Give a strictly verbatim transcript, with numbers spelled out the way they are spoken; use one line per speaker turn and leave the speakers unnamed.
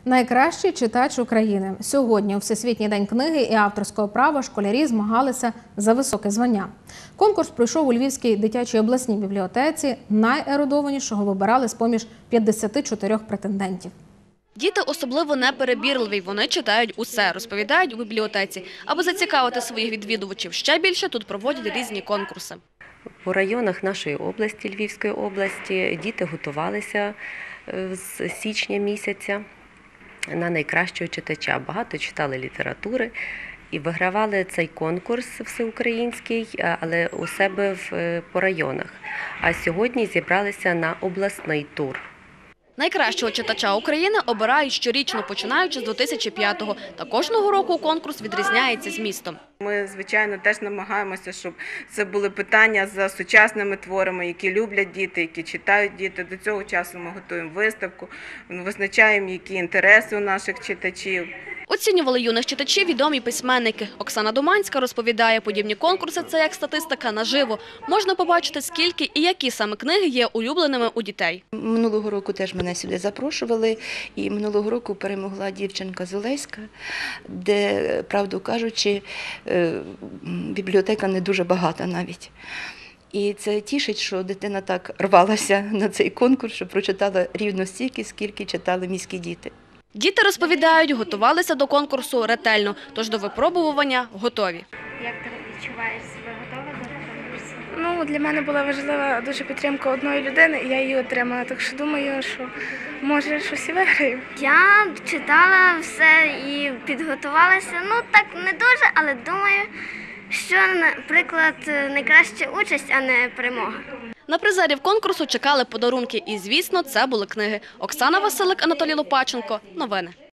Найкращий читач України. Сьогодні у Всесвітній день книги і авторського права школярі змагалися за високе звання. Конкурс пройшов у Львівській дитячій обласній бібліотеці. Найерудованішого вибирали з-поміж п'ятдесяти чотирьох претендентів.
Діти особливо неперебірливі, вони читають усе, розповідають у бібліотеці. Аби зацікавити своїх відвідувачів ще більше, тут проводять різні конкурси.
У районах нашої області, Львівської області, діти готувалися з січня місяця на найкращого читача. Багато читали літератури і вигравали цей конкурс всеукраїнський, але у себе в, по районах. А сьогодні зібралися на обласний тур.
Найкращого читача України обирають щорічно, починаючи з дві тисячі п'ятого. Та кожного року конкурс відрізняється змістом.
Ми, звичайно, теж намагаємося, щоб це були питання за сучасними творами, які люблять діти, які читають діти. До цього часу ми готуємо виставку, визначаємо, які інтереси у наших читачів.
Оцінювали юних читачів відомі письменники. Оксана Доманська розповідає, подібні конкурси – це як статистика наживо. Можна побачити, скільки і які саме книги є улюбленими у дітей.
Минулого року теж мене сюди запрошували, і минулого року перемогла дівчинка з Олеська, де, правду кажучи, бібліотека не дуже багата навіть. І це тішить, що дитина так рвалася на цей конкурс, що прочитала рівно стільки, скільки читали міські діти.
Діти розповідають, готувалися до конкурсу ретельно, тож до випробування готові.
Як ти відчуваєш себе готова до конкурсу?
Ну, для мене була важлива дуже підтримка одної людини, і я її отримала. Так що думаю, що може щось і виграю.
Я читала все і підготувалася. Ну, так не дуже, але думаю, що, наприклад, найкраща участь, а не перемога.
На призерів конкурсу чекали подарунки і, звісно, це були книги. Оксана Василик, Анатолій Лопаченко. Новини.